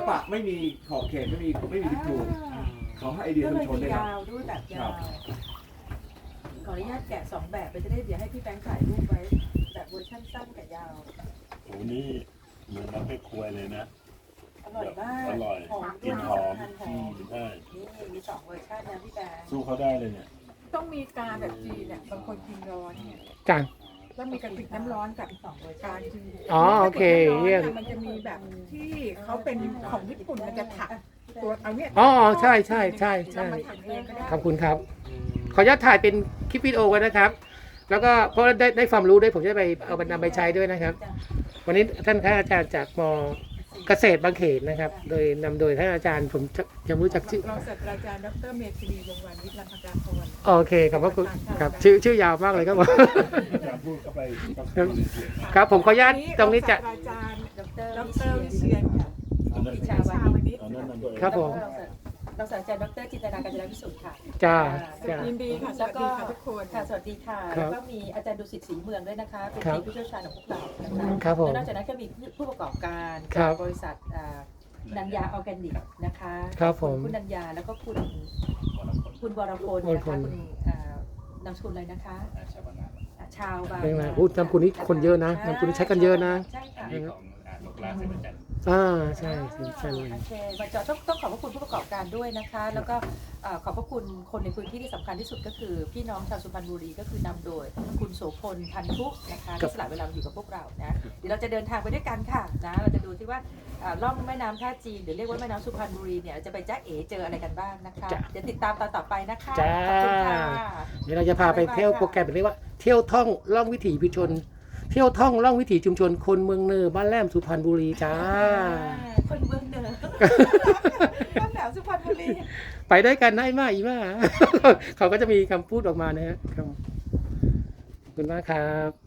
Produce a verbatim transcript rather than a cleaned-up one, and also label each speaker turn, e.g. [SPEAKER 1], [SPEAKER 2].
[SPEAKER 1] ปะไม่มีขอบเขตไม่มีไม่มีผิดถูกเขาให้ไอเดียชุมชน
[SPEAKER 2] ก็เลย
[SPEAKER 1] ด้วยครับ
[SPEAKER 2] ยาวด้วยแบบยาวขออนุญาตแกะสองแบบไปจะได้เดี๋ยวให้พี่แบงค์ถ่ายรูปไว้แบบเวอร์ชันสั้นกับยาว
[SPEAKER 3] โอ้นี่เหมือนน้ำให้ควยเลยนะ
[SPEAKER 2] อร่อยมาก
[SPEAKER 3] อร่อย
[SPEAKER 2] หอม
[SPEAKER 3] กลิ่นหอม
[SPEAKER 2] หอ
[SPEAKER 3] อื
[SPEAKER 2] ม
[SPEAKER 3] มใช่
[SPEAKER 2] นี่มีสองเวอร์ชันนะพี่แบงค์
[SPEAKER 3] สู้เขาได้เลยเนี่ย
[SPEAKER 4] ต้องมีกาแบบจีนเนี่ยบางคนกินร้อนเนี่ย
[SPEAKER 5] จ้ะ
[SPEAKER 4] แล้วมีกระติกน้ำร้อนกับ
[SPEAKER 2] สองเวอร์ชั
[SPEAKER 4] กาน จีน
[SPEAKER 5] อ๋อโอเคเยี่ยม
[SPEAKER 4] มันจะมีแบบที่เขาเป็นของญี่ปุ่นมันจะถักตัวเอาเนี่ย
[SPEAKER 5] อ๋อใช่ใช่ใช่ใช่
[SPEAKER 4] เรามาถักเองก็ได้
[SPEAKER 5] ขอบคุณครับ ขออนุญาตถ่ายเป็นคลิปวิดีโอไว้นะครับ แล้วก็เพราะได้ได้ความรู้ด้วยผมจะไปเอาไปนำไปใช้ด้วยนะครับ วันนี้ท่านอาจารย์จากมเกษตรบางเขนนะครับ โดยนำโดยท่านอาจารย์ผมจะยังไม่รู้จักชื่อ
[SPEAKER 4] รองศาสตราจารย์ดรเมธีวงศ์วานิชรังคการพร
[SPEAKER 5] โอเคขอบพระคุณครับชื่อชื่อยาวมากเลยครับผม
[SPEAKER 3] จะพูดเข้าไป
[SPEAKER 5] ครับผมขออนุญาตตรงนี้จะ
[SPEAKER 4] ศาสตราจารย์
[SPEAKER 2] ดร
[SPEAKER 4] ดรวิเชียนค่ะ
[SPEAKER 3] อันนั้น
[SPEAKER 2] วิชาวานิช
[SPEAKER 3] อันนั้นนั่นตัวเอง
[SPEAKER 5] ครับผม
[SPEAKER 2] รองศาสตราจารย์ดรจินตนาการจนวิสุทธิ์ค่ะ
[SPEAKER 5] จ้า
[SPEAKER 2] อ่
[SPEAKER 5] จ้า
[SPEAKER 4] ยินดีค่ะส
[SPEAKER 2] แล้ว
[SPEAKER 4] วัส
[SPEAKER 2] ก็
[SPEAKER 4] ดีค่ะทุกคน
[SPEAKER 2] ค่ะสวัสดีค่ะ
[SPEAKER 5] ครั
[SPEAKER 2] แล้
[SPEAKER 5] บ
[SPEAKER 2] วก็มีอาจารย์ดุสิตศรีเมืองด้วยนะคะ เป็น
[SPEAKER 5] ครับ
[SPEAKER 2] ทีมผู้เชี่ยวชาญของพวกเรานะคะ
[SPEAKER 5] ครับผม
[SPEAKER 2] แล้วนอกจากนั้นก็มีผู้ประกอบการ
[SPEAKER 5] ครั
[SPEAKER 2] จาก
[SPEAKER 5] บ
[SPEAKER 2] บริษัทอ่านันยาออร์แกนิกนะคะ
[SPEAKER 5] ครับผม
[SPEAKER 2] คุณนันยาแล้วก็คุณคุณวรพล
[SPEAKER 5] วร
[SPEAKER 2] นะ
[SPEAKER 5] พ
[SPEAKER 2] คะ
[SPEAKER 5] ล
[SPEAKER 2] คุณอ่านามสกุลอะไรนะคะอ่าชาวบาง
[SPEAKER 5] เป็นไงพูดนามสกุลนี้คนเยอะนะนามสกุลนี้ใช้กันเยอะนะ
[SPEAKER 2] ใช่ค่ะ
[SPEAKER 3] อันนี้ของอ่านกลาเซบันจัน
[SPEAKER 5] อ่าใช่ใช่ใช่เลย
[SPEAKER 2] โอเคมาจอต้องต้องขอบพระคุณผู้ประกอบการด้วยนะคะ แล้วก็เอ่อขอบพระคุณคนในพื้นที่ที่สำคัญที่สุดก็คือ พี่น้องชาวสุพรรณบุรีก็คือนำโดยคุณโสพลพันธุนะคะที่สละเวลามาอยู่กับพวกเรานะเดี๋ยวเราจะเดินทางไปด้วยกันค่ะนะเราจะดูที่ว่าเอ่อล่องแม่น้ำท่าจีนหรือเรียกว่าแม่น้ำสุพรรณบุรีเนี่ยเราจะไปจ้าเอ๋เจออะไรกันบ้างนะคะเดี๋ยวติดตามตอนต่อไปนะคะ
[SPEAKER 5] จ้า
[SPEAKER 2] ขอบคุณค่ะ
[SPEAKER 5] เดี๋ยวเราจะพาไปเที่ยวโปรแกรมเรียกว่าเที่ยวท่องล่องวิถีชุมชน เที่ยวท่องล่องวิถีชุมชนคนเมืองเนอบ้านแหลมสุพรรณบุรีจ้า
[SPEAKER 2] คนเมืองเหนือบ้านแหลมสุพรรณบุรี
[SPEAKER 5] ไปด้วยกันได้มากอีมา เขาก็จะมีคำพูดออกมานะฮะครับขอบคุณมากครับ